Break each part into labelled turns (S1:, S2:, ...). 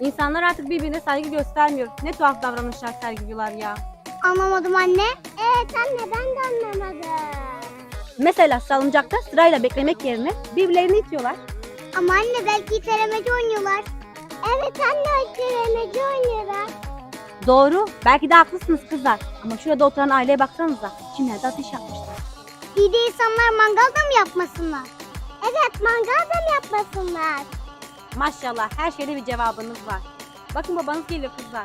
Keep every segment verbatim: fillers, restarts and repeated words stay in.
S1: İnsanlar artık birbirine saygı göstermiyor. Ne tuhaf davranışlar sergiliyorlar ya.
S2: Anlamadım anne. Evet anne ben de anlamadım.
S1: Mesela salıncakta sırayla beklemek yerine birbirlerini itiyorlar.
S2: Ama anne belki itelemeci oynuyorlar. Evet anne itelemeci oynuyorlar.
S1: Doğru. Belki de haklısınız kızlar. Ama şurada oturan aileye baksanıza. Kimler de ateş yapmışlar.
S2: İyi de insanlar mangal da mı yapmasınlar? Evet mangal da mı yapmasınlar?
S1: Maşallah her şeyde bir cevabınız var. Bakın babanız geliyor kızlar.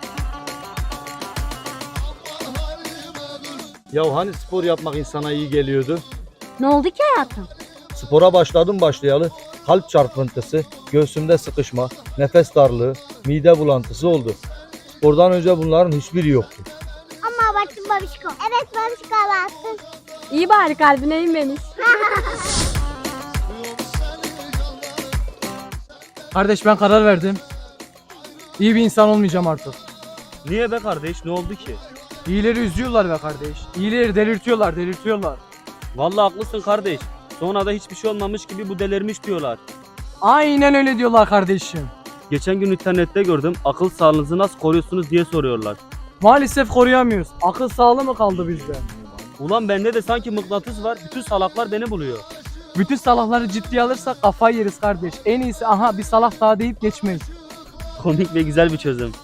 S3: Ya hani spor yapmak insana iyi geliyordu?
S1: Ne oldu ki hayatım?
S3: Spora başladım başlayalı. Kalp çarpıntısı, göğsümde sıkışma, nefes darlığı, mide bulantısı oldu. Spordan önce bunların hiçbiri yoktu.
S2: Ama abarttın babişko. Evet babişko abarttın.
S1: İyi bari kalbine inmemiş.
S4: Kardeş ben karar verdim. İyi bir insan olmayacağım artık.
S5: Niye be kardeş, ne oldu ki?
S4: İyileri üzüyorlar be kardeş. İyileri delirtiyorlar, delirtiyorlar.
S5: Vallahi haklısın kardeş. Sonra da hiçbir şey olmamış gibi bu delirmiş diyorlar.
S4: Aynen öyle diyorlar kardeşim.
S5: Geçen gün internette gördüm, akıl sağlığınızı nasıl koruyorsunuz diye soruyorlar.
S4: Maalesef koruyamıyoruz. Akıl sağlığı mı kaldı bizde?
S5: Ulan bende de sanki mıknatıs var, bütün salaklar beni buluyor.
S4: Bütün salakları ciddiye alırsak kafayı yeriz kardeş. En iyisi aha bir salak daha deyip geçmeyiz.
S5: Komik ve güzel bir çözüm.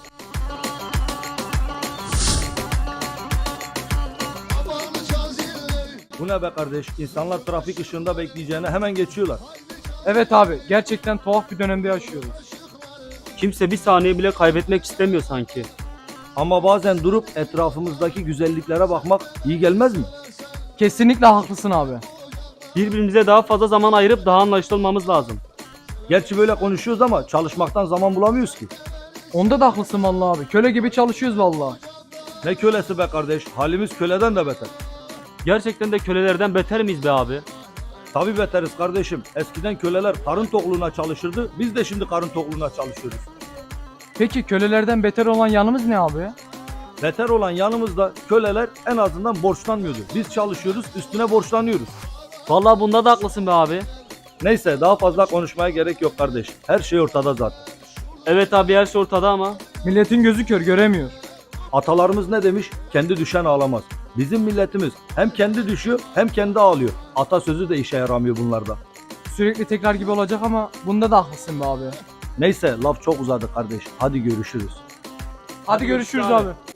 S3: Bu ne be kardeş? İnsanlar trafik ışığında bekleyeceğine hemen geçiyorlar.
S4: Evet abi gerçekten tuhaf bir dönemde yaşıyoruz.
S5: Kimse bir saniye bile kaybetmek istemiyor sanki.
S3: Ama bazen durup etrafımızdaki güzelliklere bakmak iyi gelmez mi?
S4: Kesinlikle haklısın abi.
S5: Birbirimize daha fazla zaman ayırıp daha anlaşılı olmamız lazım.
S3: Gerçi böyle konuşuyoruz ama çalışmaktan zaman bulamıyoruz ki.
S4: Onda da haklısın vallahi abi. Köle gibi çalışıyoruz vallahi.
S3: Ne kölesi be kardeş? Halimiz köleden de beter.
S5: Gerçekten de kölelerden beter miyiz be abi?
S3: Tabii beteriz kardeşim. Eskiden köleler karın tokluğuna çalışırdı. Biz de şimdi karın tokluğuna çalışıyoruz.
S4: Peki kölelerden beter olan yanımız ne abi?
S3: Beter olan yanımızda köleler en azından borçlanmıyordu. Biz çalışıyoruz, üstüne borçlanıyoruz.
S5: Vallahi bunda da haklısın be abi.
S3: Neyse daha fazla konuşmaya gerek yok kardeş. Her şey ortada zaten.
S5: Evet abi, her şey ortada ama.
S4: Milletin gözü kör göremiyor.
S3: Atalarımız ne demiş? Kendi düşen ağlamaz. Bizim milletimiz hem kendi düşüyor hem kendi ağlıyor. Atasözü de işe yaramıyor bunlarda.
S4: Sürekli tekrar gibi olacak ama bunda da haklısın be abi.
S3: Neyse laf çok uzadı kardeş. Hadi görüşürüz.
S4: Hadi görüşürüz abi.